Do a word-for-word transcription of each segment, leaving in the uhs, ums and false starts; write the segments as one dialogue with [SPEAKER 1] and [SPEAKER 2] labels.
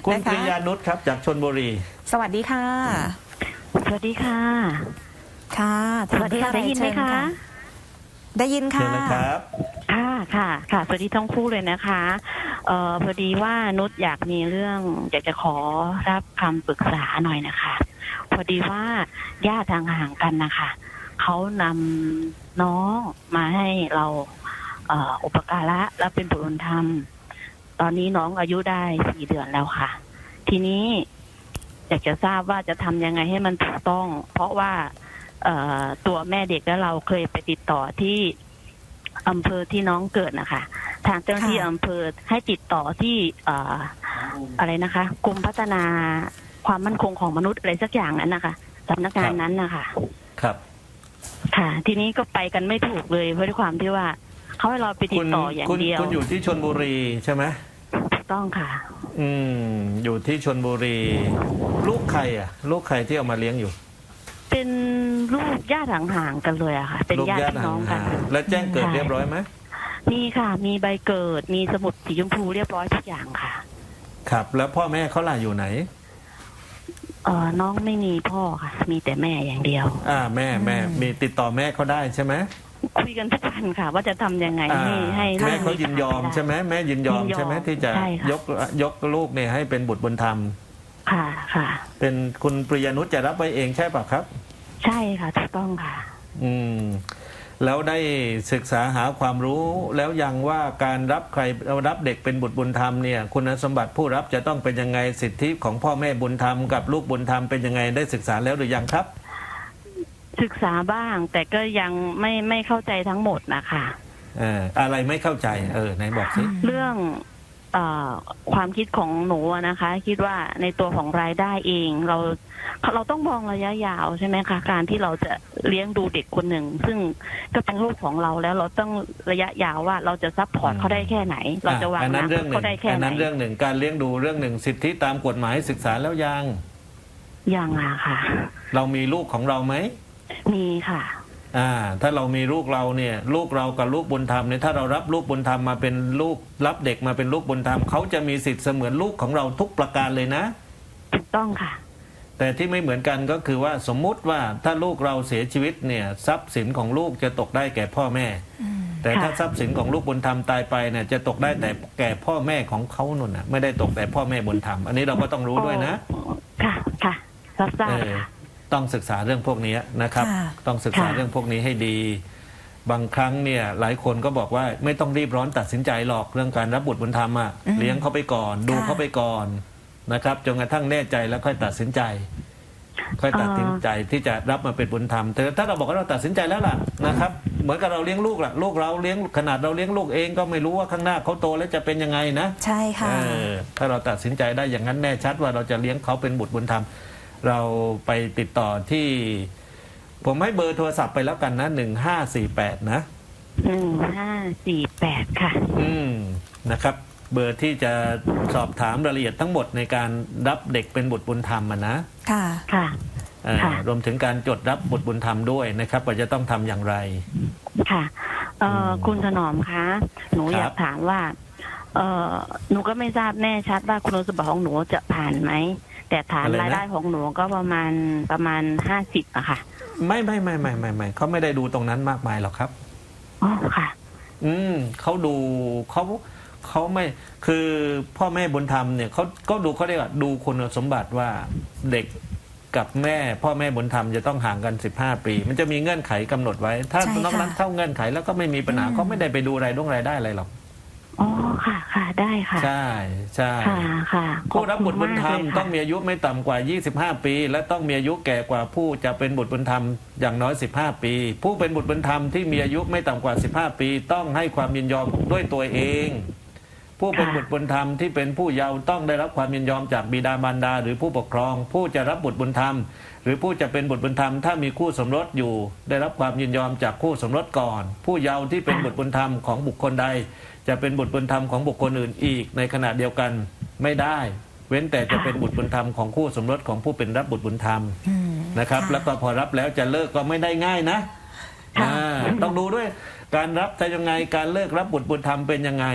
[SPEAKER 1] คุณ
[SPEAKER 2] นะ
[SPEAKER 1] ป
[SPEAKER 2] คะ
[SPEAKER 1] ริยานุชครับจากชลบุรี
[SPEAKER 2] สวัสดีค่ะ
[SPEAKER 3] สวัสดีค่ะ
[SPEAKER 2] ค่ะ
[SPEAKER 3] สวัสดีค่ะได้ยินไหมคะ
[SPEAKER 2] ได้ยิน
[SPEAKER 1] เชิ
[SPEAKER 2] ค่ะ
[SPEAKER 1] ญเลยครับ
[SPEAKER 3] ค่ะค่ะค่ะสวัสดีทั้งคู่เลยนะคะเอ่อพอดีว่านุชอยากมีเรื่องอยากจะขอรับคำปรึกษาหน่อยนะคะ พอดีว่าญาติห่างๆกันนะคะเขานำน้องมาให้เราเอ่ออุปการะและเป็นบุตรบุญธรรม ตอนนี้น้องอายุได้สี่เดือนแล้วค่ะ ทีนี้อยากจะทราบว่าจะทำยังไงให้มันถูกต้อง เพราะว่าเอ่อตัวแม่เด็กและเราเคยไปติดต่อที่อำเภอที่น้องเกิดนะคะทางเจ้าหน้าที่
[SPEAKER 2] ค่ะ
[SPEAKER 3] อำเภอให้ติดต่อที่เอ่ออะไรนะคะกรมพัฒนาความมั่นคงของมนุษย์อะไรสักอย่างนั้นนะคะสำนักงานนั้นนะคะ
[SPEAKER 1] ครับ
[SPEAKER 3] ค่ะ ทีนี้ก็ไปกันไม่ถูกเลยเพราะด้วยความที่ว่าเขาให้เราไปติ
[SPEAKER 1] คุ
[SPEAKER 3] ด
[SPEAKER 1] ณ
[SPEAKER 3] ต่ออย่าง
[SPEAKER 1] คุณ
[SPEAKER 3] เดียว
[SPEAKER 1] คุณอยู่ที่ชลบุรีใช่ไหม
[SPEAKER 3] ถูกต้องค่ะ
[SPEAKER 1] อืมอยู่ที่ชลบุรี ลูกใครอ่ะ ลูกใครที่เอามาเลี้ยงอยู่
[SPEAKER 3] เป็นลูกญาติห่างๆกันเลยอะค่ะ เป็น
[SPEAKER 1] ลูก
[SPEAKER 3] ญาติ
[SPEAKER 1] ญาติ
[SPEAKER 3] พี่น้องกั
[SPEAKER 1] ห่าน งๆแล้วแจ้งเกิด
[SPEAKER 3] ใช่
[SPEAKER 1] เรียบร้อยไหม
[SPEAKER 3] มีค่ะ มีใบเกิด มีสมุดสีชมพูเรียบร้อยทุกอย่างค่ะ
[SPEAKER 1] ครับ แล้วพ่อแม่เขาล่ะอยู่ไหน
[SPEAKER 3] เออน้องไม่มีพ่อค่ะ มีแต่แม่อย่างเดียว
[SPEAKER 1] อ่าแม่แม่มีติดต่อแม่เขาได้ใช่ไหม
[SPEAKER 3] คุยกันทุกวันค่ะ ว่าจะทำยังไง
[SPEAKER 1] อ่า
[SPEAKER 3] ให้ให้
[SPEAKER 1] แม่เขายินยอม
[SPEAKER 3] ลูก
[SPEAKER 1] ใช่ไหมแม่ยินยอม
[SPEAKER 3] ยินยอม
[SPEAKER 1] ใช่ไหมที่จะ
[SPEAKER 3] ใช่ค่ะ
[SPEAKER 1] ยกยกลูกเนี่ยให้เป็นบุตรบุญธรรม
[SPEAKER 3] ค่ะค่ะ
[SPEAKER 1] เป็นคุณปริยานุชจะรับไว้เองใช่ป่ะครับ
[SPEAKER 3] ใช่ค่ะถูกต้องค่ะ
[SPEAKER 1] อืมแล้วได้ศึกษาหาความรู้แล้วยังว่าการรับใครรับเด็กเป็นบุตรบุญธรรมเนี่ยคุณสมบัติผู้รับจะต้องเป็นยังไงสิทธิของพ่อแม่บุญธรรมกับลูกบุญธรรมเป็นยังไงได้ศึกษาแล้วหรือยังครับ
[SPEAKER 3] ศึกษาบ้าง แต่ก็ยังไม่ไม่เข้าใจทั้งหมดนะคะ
[SPEAKER 1] เอ่ออะไรไม่เข้าใจเออไหนบอกสิ
[SPEAKER 3] เรื่องเออความคิดของหนูอะนะคะ คิดว่าในตัวของรายได้เองเราเราต้องมองระยะยาวใช่ไหมคะการที่เราจะเลี้ยงดูเด็กคนหนึ่ง ซึ่งก็เป็นลูกของเราแล้วเราต้องระยะยาวว่าเราจะซัพพอร์ตเขาได้แค่ไหน เราจะวาง
[SPEAKER 1] อันนั้น
[SPEAKER 3] อ
[SPEAKER 1] เรื่อง
[SPEAKER 3] นาคต
[SPEAKER 1] หนึ่
[SPEAKER 3] เขา
[SPEAKER 1] ง
[SPEAKER 3] ได้แค่
[SPEAKER 1] อัน
[SPEAKER 3] ไหน
[SPEAKER 1] นั้นเรื่องหนึ่งการเลี้ยงดูเรื่องหนึ่งสิทธิตามกฎหมายศึกษาแล้วยัง
[SPEAKER 3] ยังอะค่ะ
[SPEAKER 1] เรามีลูกของเราไหม
[SPEAKER 3] มีค่ะ
[SPEAKER 1] อ่าถ้าเรามีลูกเราเนี่ยลูกเรากับลูกบุญธรรมเนี่ยถ้าเรารับลูกบุญธรรมมาเป็นลูกรับเด็กมาเป็นลูกบุญธรรมเขาจะมีสิทธิ์เสมือนลูกของเราทุกประการเลยนะ
[SPEAKER 3] ถูกต้องค่ะ
[SPEAKER 1] แต่ที่ไม่เหมือนกันก็คือว่าสมมุติว่าถ้าลูกเราเสียชีวิตเนี่ยทรัพย์สินของลูกจะตกได้แก่พ่อแม่ แต่ถ้า
[SPEAKER 3] ค่ะ
[SPEAKER 1] ทรัพย์สินของลูกบุญธรรมตายไปเนี่ยจะตกได้แต่แก่พ่อแม่ของเขานุ่นน่ะไม่ได้ตกแต่พ่อแม่บุญธรรมอันนี้เราก็ต้องรู้ด้วยนะ
[SPEAKER 3] ค่ะค่ะรับทรา
[SPEAKER 1] เอบ อ
[SPEAKER 3] ค่ะ
[SPEAKER 1] ต้องศึกษาเรื่องพวกนี้นะครับ
[SPEAKER 2] ค่ะ
[SPEAKER 1] ต้องศึกษา
[SPEAKER 3] ค่ะ
[SPEAKER 1] เรื่องพวกนี้ให้ดี บางครั้งเนี่ยหลายคนก็บอกว่าไม่ต้องรีบร้อนตัดสินใจหรอกเรื่องการรับบุตรบุญธรรมอ่ะ
[SPEAKER 2] อืม
[SPEAKER 1] เลี้ยงเขาไปก่อน ดู
[SPEAKER 2] ค่ะ
[SPEAKER 1] เขาไปก่อนนะครับจนกระทั่งแน่ใจแล้วค่อยตัดสินใจ ค่อยตัดสินใจที่จะรับมาเป็นบุญธรรมแต่ถ้าเราบอกว่าเราตัดสินใจแล้วล่ะนะครับ เหมือนกับเราเลี้ยงลูกล่ะลูกเราเลี้ยงขนาดเราเลี้ยงลูกเองก็ไม่รู้ว่าข้างหน้าเขาโตแล้วจะเป็นยังไงนะ
[SPEAKER 2] ใช่ค่ะ
[SPEAKER 1] เออถ้าเราตัดสินใจได้อย่างนั้นแน่ชัดว่าเราจะเลี้ยงเขาเป็นบุตรบุญธรรม เราไปติดต่อที่ ผมให้เบอร์โทรศัพท์ไปแล้วกันนะหนึ่งห้าสี่แปดนะ
[SPEAKER 3] หนึ่งห้าสี่แปดค่ะ
[SPEAKER 1] อืมนะครับ เบอร์ที่จะสอบถามรายละเอียดทั้งหมดในการรับเด็กเป็นบุตรบุญธรรมอะนะ
[SPEAKER 2] ค่ะ
[SPEAKER 3] ค่ะ
[SPEAKER 1] เอ่อ
[SPEAKER 3] ค่ะ
[SPEAKER 1] รวมถึงการจดรับบุตรบุญธรรมด้วยนะครับว่าจะต้องทำอย่างไร
[SPEAKER 3] ค่ะ เอ่อ
[SPEAKER 1] อืม
[SPEAKER 3] คุณถนอมคะ หนู
[SPEAKER 1] ครับ
[SPEAKER 3] อยากถามว่า เอ่อ หนูก็ไม่ทราบแน่ชัดว่าคุณสมบัติของหนูจะผ่านไหม แต่ฐาน
[SPEAKER 1] อะไรนะ
[SPEAKER 3] รายได้ของหนูก็ประมาณประมาณห้าสิบอะค่ะ
[SPEAKER 1] ไม่ไม่ไม่ไม่ไม่ไม่เขาไม่ได้ดูตรงนั้นมากมายหรอกครับ
[SPEAKER 3] อ๋อ ค่ะ
[SPEAKER 1] อืมเขาดูเขาเขาไม่คือพ่อแม่บุญธรรมเนี่ยเขาก็ดูเขาเรียกว่าดูคุณสมบัติว่าเด็กกับแม่ พ่อแม่บุญธรรมจะต้องห่างกันสิบห้าปี มันจะมีเงื่อนไขกำหนดไว้ ถ้า
[SPEAKER 2] ใช่ค่ะ
[SPEAKER 1] นอกนั้นเท่าเงื่อนไขแล้วก็ไม่มีปัญหา
[SPEAKER 2] อืม
[SPEAKER 1] เขาไม่ได้ไปดูรายด้งรายได้อะไรหรอก
[SPEAKER 3] อ๋อ ค่ะ ค่ะ ได้ค่ะ
[SPEAKER 1] ใช่ใช่
[SPEAKER 3] ค่ะ ค่ะ
[SPEAKER 1] ผู้รับบุตรบุญธรรม
[SPEAKER 3] ขบคุณากเลยค่ะ
[SPEAKER 1] ต้องมีอายุไม่ต่ำกว่ายี่สิบห้าปี และต้องมีอายุแก่กว่าผู้จะเป็นบุตรบุญธรรมอย่างน้อยสิบห้าปี ผู้เป็นบุตรบุญธรรมที่มีอายุไม่ต่ำกว่าสิบห้าปี ต้องให้ความยินยอมด้วยตัวเอง ผู้เป็นบุตรบุญธรรมที่เป็นผู้เยาว์ต้องได้รับความยินยอมจากบิดามารดาหรือผู้ปกครอง ผู้จะรับบุตรบุญธรรม หรือผู้จะเป็นบุตรบุญธรรมถ้ามีคู่สมรสอยู่ ได้รับความยินยอมจากคู่สมรสก่อน ผู้เยาว์ที่เป็นบุตรบุญธรรมของบุคคลใด จะเป็นบุตรบุญธรรมของบุคคลอื่นอีกในขณะเดียวกันไม่ได้ เว้นแต่จะเป็นบุตรบุญธรรมของคู่สมรสของผู้เป็นรับบุตรบุญธรรม
[SPEAKER 2] อืม
[SPEAKER 1] นะครับ แล้วก็พอรับแล้วจะเลิกก็ไม่ได้ง่ายนะ
[SPEAKER 3] ค่ะ
[SPEAKER 1] อ่าต้องดูด้วยการรับจะยังไงการเลิกรับบุตรบุญธรรมเป็นยังไง
[SPEAKER 2] อืม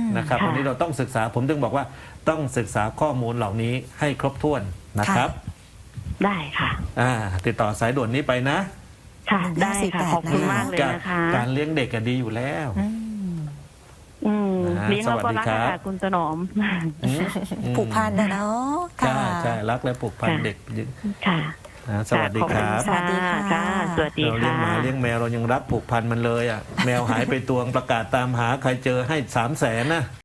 [SPEAKER 1] นะครับ
[SPEAKER 3] ค่ะ
[SPEAKER 1] วันนี้เราต้องศึกษาผมถึงบอกว่าต้องศึกษาข้อมูลเหล่านี้ให้ครบถ้วนนะครับ
[SPEAKER 3] ได้ค่ะ
[SPEAKER 1] อ่าติดต่อสายด่วนนี้ไปนะ
[SPEAKER 3] ค่ะ ได้ค่ะ
[SPEAKER 2] หนึ่งห้าสี่แปด
[SPEAKER 3] ขอบคุณมากเลย
[SPEAKER 1] การ
[SPEAKER 3] นะคะ
[SPEAKER 1] การเลี้ยงเด็กก็ดีอยู่แล้ว
[SPEAKER 2] อืม
[SPEAKER 3] อืม
[SPEAKER 1] นะ
[SPEAKER 3] เลี้ยงเราก็รัก
[SPEAKER 1] สวัสดีครั
[SPEAKER 3] ค่ะ
[SPEAKER 1] บ
[SPEAKER 3] คุณถนอม
[SPEAKER 1] อืมอืม
[SPEAKER 2] ผูกพันนะเนาะ
[SPEAKER 1] ใช่
[SPEAKER 2] ค่ะ
[SPEAKER 1] ใช่รักและผูกพัน
[SPEAKER 3] ค่ะ
[SPEAKER 1] เด็ก
[SPEAKER 3] ค่ะ
[SPEAKER 1] อ่าสวัสดีครับ
[SPEAKER 2] สวัสดีค่ะ
[SPEAKER 3] ค่ะ สวัสดี
[SPEAKER 1] เราเลี้ย
[SPEAKER 3] ค่ะ
[SPEAKER 1] งหมาเลี้ยงแมวเรายังรักผูกพันมันเลยอ่ะแมวหายไปตัวประกาศตามหาใครเจอให้สามแสนนะ